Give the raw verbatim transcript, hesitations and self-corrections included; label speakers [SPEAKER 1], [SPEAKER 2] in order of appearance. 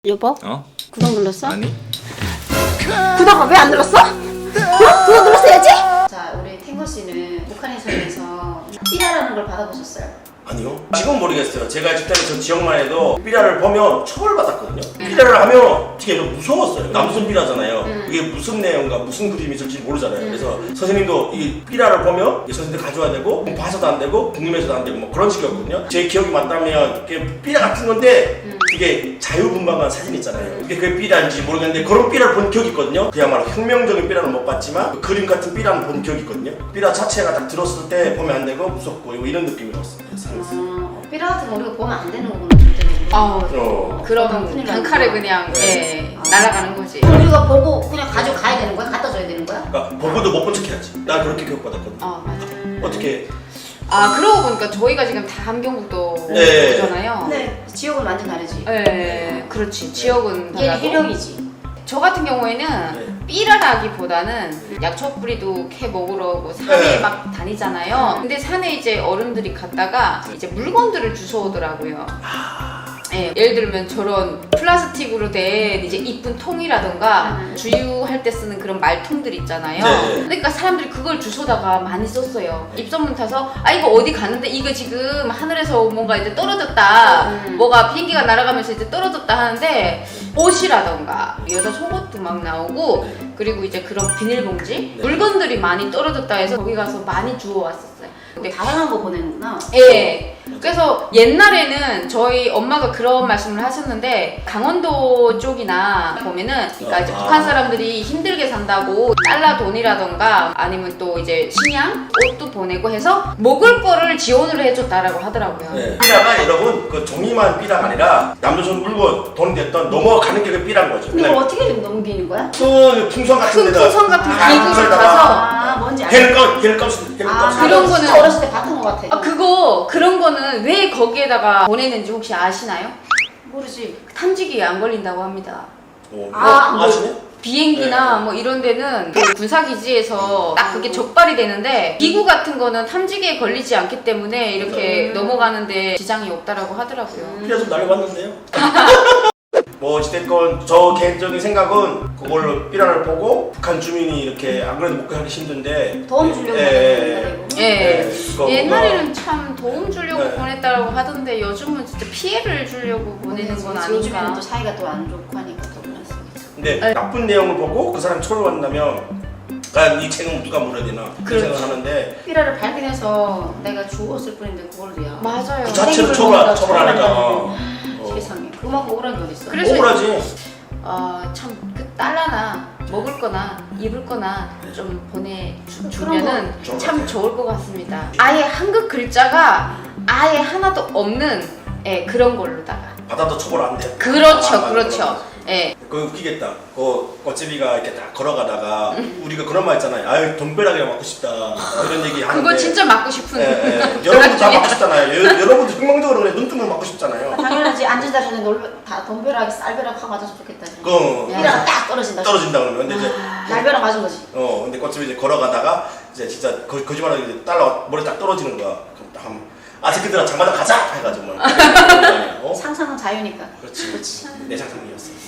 [SPEAKER 1] 여보?
[SPEAKER 2] 어?
[SPEAKER 1] 구독 눌렀어?
[SPEAKER 2] 아니?
[SPEAKER 1] 구독을 왜 안 눌렀어? 어? 구독 눌렀어야지?
[SPEAKER 3] 자, 우리 탱고 씨는 북한에서에서 삐라라는 걸 받아보셨어요?
[SPEAKER 4] 아니요. 지금 모르겠어요. 제가 직장에 저 지역만 해도 삐라를 보면 처벌받았거든요. 삐라를 하면 되게 무서웠어요. 남순 삐라잖아요.
[SPEAKER 3] 음.
[SPEAKER 4] 이게 무슨 내용과 무슨 그림이 있을지 모르잖아요. 그래서 선생님도 이 삐라를 보면 선생님들 가져와야 되고 봐서도 안 되고 궁금해서도 안 되고 뭐 그런 식이었거든요. 제 기억이 맞다면 이게 삐라 같은 건데
[SPEAKER 3] 음.
[SPEAKER 4] 이게 자유분방한 사진 있잖아요. 이게 그게 삐라인지 모르겠는데 그런 삐라를 본 기억이 있거든요. 그야말로 혁명적인 삐라는 못 봤지만 그 그림 같은 삐라는 본 기억이 있거든요. 삐라 자체가 딱 들었을 때 보면 안 되고 무섭고 이런 느낌이었어요.
[SPEAKER 3] 어, 삐라 같은 거 우리가 보면 안 되는 거구나, 절대로.
[SPEAKER 5] 어,
[SPEAKER 4] 어.
[SPEAKER 5] 그러면
[SPEAKER 3] 큰일
[SPEAKER 5] 단칼에
[SPEAKER 3] 나는구나.
[SPEAKER 5] 그냥
[SPEAKER 4] 네.
[SPEAKER 5] 예, 날아가는 거지.
[SPEAKER 3] 그럼 우리가 보고 그냥 가져가야 되는 거야? 갖다 줘야 되는 거야?
[SPEAKER 4] 그러니까 보고도 못 본 척 해야지. 나 그렇게 교육받았거든.
[SPEAKER 5] 어, 맞아.
[SPEAKER 4] 어떻게?
[SPEAKER 5] 아, 그러고 보니까 저희가 지금 다 함경북도잖아요.
[SPEAKER 4] 네.
[SPEAKER 3] 네. 지역은 완전 다르지.
[SPEAKER 5] 예, 그렇지. 지역은
[SPEAKER 3] 얘는
[SPEAKER 5] 달라도.
[SPEAKER 3] 해령이지.
[SPEAKER 5] 저 같은 경우에는
[SPEAKER 4] 네.
[SPEAKER 5] 삐라라기보다는 약초 뿌리도 캐 먹으러 오고 산에
[SPEAKER 4] 네.
[SPEAKER 5] 막 다니잖아요. 근데 산에 이제 어른들이 갔다가 이제 물건들을 주워오더라고요. 예, 예를 들면 저런 플라스틱으로 된 이제 이쁜 통이라던가
[SPEAKER 3] 음.
[SPEAKER 5] 주유할 때 쓰는 그런 말통들 있잖아요.
[SPEAKER 4] 네.
[SPEAKER 5] 그러니까 사람들이 그걸 주워다가 많이 썼어요. 입소문 타서 아 이거 어디 갔는데 이거 지금 하늘에서 뭔가 이제 떨어졌다.
[SPEAKER 3] 음.
[SPEAKER 5] 뭐가 비행기가 날아가면서 이제 떨어졌다 하는데 옷이라던가 여자 속옷도 막 나오고 그리고 이제 그런 비닐봉지
[SPEAKER 4] 네.
[SPEAKER 5] 물건들이 많이 떨어졌다 해서 거기 가서 많이 주워왔었어요. 근데
[SPEAKER 3] 다양한 거 보내는구나.
[SPEAKER 5] 예. 그래서 옛날에는 저희 엄마가 그런 말씀을 하셨는데 강원도 쪽이나 보면은 그러니까 이제
[SPEAKER 4] 아.
[SPEAKER 5] 북한 사람들이 힘들게 산다고 달러 돈이라던가 아니면 또 이제 식량, 옷도 보내고 해서 먹을 거를 지원을 해줬다라고 하더라고요.
[SPEAKER 4] 네. 삐라가 여러분 그 종이만 삐라가 아니라 남조선 물건 돈 됐던 넘어가는 게 그 삐라인 거죠.
[SPEAKER 3] 근데 이걸 어떻게 좀 넘기는 거야?
[SPEAKER 4] 그 풍선 같은
[SPEAKER 5] 큰
[SPEAKER 4] 데다
[SPEAKER 5] 풍선 같은
[SPEAKER 4] 아,
[SPEAKER 5] 기구를
[SPEAKER 4] 풍선에다가
[SPEAKER 5] 가서
[SPEAKER 3] 아, 뭔지 알아.
[SPEAKER 4] 해를 꺼 해를 꺼서 해를
[SPEAKER 3] 아,
[SPEAKER 4] 꺼서
[SPEAKER 5] 그런
[SPEAKER 3] 진짜
[SPEAKER 5] 거는-
[SPEAKER 3] 어렸을 때 봤던 거 같아.
[SPEAKER 5] 아 그거 그런 거는 왜 거기에다가 보내는지 혹시 아시나요?
[SPEAKER 3] 모르지.
[SPEAKER 5] 탐지기에 안 걸린다고 합니다.
[SPEAKER 4] 어,
[SPEAKER 3] 아,
[SPEAKER 4] 뭐, 아시네?
[SPEAKER 5] 비행기나
[SPEAKER 4] 네.
[SPEAKER 5] 뭐 이런 데는 그 군사기지에서 딱 그게 적발이 되는데 기구 같은 거는 탐지기에 걸리지 않기 때문에 이렇게
[SPEAKER 3] 음.
[SPEAKER 5] 넘어가는데 지장이 없다라고 하더라고요.
[SPEAKER 4] 삐라 좀 날려봤는데요. 뭐 어찌됐건 저 개인적인 생각은 그걸로 삐라를 보고 북한 주민이 이렇게 안 그래도 먹고 하기 힘든데
[SPEAKER 3] 도움 주려고
[SPEAKER 4] 예,
[SPEAKER 3] 보내는 거다, 이거.
[SPEAKER 5] 예.
[SPEAKER 4] 예, 그거
[SPEAKER 5] 옛날에는 참 도움 주려고
[SPEAKER 4] 네.
[SPEAKER 5] 보냈다라고 하던데 요즘은 진짜 피해를 주려고 보내는 건
[SPEAKER 3] 요즘에는
[SPEAKER 5] 아닌가.
[SPEAKER 3] 또 사이가 또 안 좋고 하니까 더 그렇습니다.
[SPEAKER 4] 근데
[SPEAKER 5] 네.
[SPEAKER 4] 나쁜 내용을 보고 그 사람이 처벌받는다면 과연 이 책은 누가 물어야 되나 그런
[SPEAKER 5] 그렇죠.
[SPEAKER 4] 생각을 하는데
[SPEAKER 3] 삐라를 발견해서 내가 주웠을 뿐인데 그걸로야.
[SPEAKER 5] 맞아요.
[SPEAKER 4] 그 자체로
[SPEAKER 3] 생일을
[SPEAKER 4] 처벌,
[SPEAKER 3] 먹는다,
[SPEAKER 4] 처벌하니까
[SPEAKER 3] 처벌한다고.
[SPEAKER 4] 어.
[SPEAKER 3] 세상에. 그만큼 억울한 게 어딨어.
[SPEAKER 5] 그래서-
[SPEAKER 4] 억울하지.
[SPEAKER 5] 아, 참, 그 달러나 먹을 거나 입을 거나 좀 보내주면은
[SPEAKER 4] 좋을 것
[SPEAKER 5] 참
[SPEAKER 4] 같아요.
[SPEAKER 5] 좋을 것 같습니다. 아예 한국 글자가 아예 하나도 없는 예, 그런 걸로다가.
[SPEAKER 4] 받아도 처벌 안 돼.
[SPEAKER 5] 그렇죠,
[SPEAKER 4] 아,
[SPEAKER 5] 그렇죠. 예.
[SPEAKER 4] 그거 웃기겠다. 그 꽃제비가 이렇게 딱 걸어가다가 우리가 그런 말 있잖아요. 아유 돈벼락이랑 맞고 싶다 이런 얘기 하는데.
[SPEAKER 5] 그거 진짜 맞고 싶은.
[SPEAKER 4] 예, 예. 여러분도 다 맞고 싶잖아요. 여, 여러분도 혁명적으로 그래 눈뜨면 맞고 싶잖아요.
[SPEAKER 3] 당연하지. 앉은 자리에 놀, 다 돈벼락에 쌀벼락 하고 맞아서 좋겠다.
[SPEAKER 4] 그
[SPEAKER 3] 삐라가 딱 떨어진다.
[SPEAKER 4] 떨어진다 그러면 근데 이제
[SPEAKER 3] 날벼락 맞은 거지.
[SPEAKER 4] 어 근데 꽃집이 이제 걸어가다가 이제 진짜 거, 거짓말하고 이제 딸라 머리 딱 떨어지는 거야. 그럼 딱 하면 아새끼들아 장마당 가자 해가지고 뭐. 어?
[SPEAKER 3] 상상은 자유니까.
[SPEAKER 4] 그렇지 그렇지 내 상상이었어.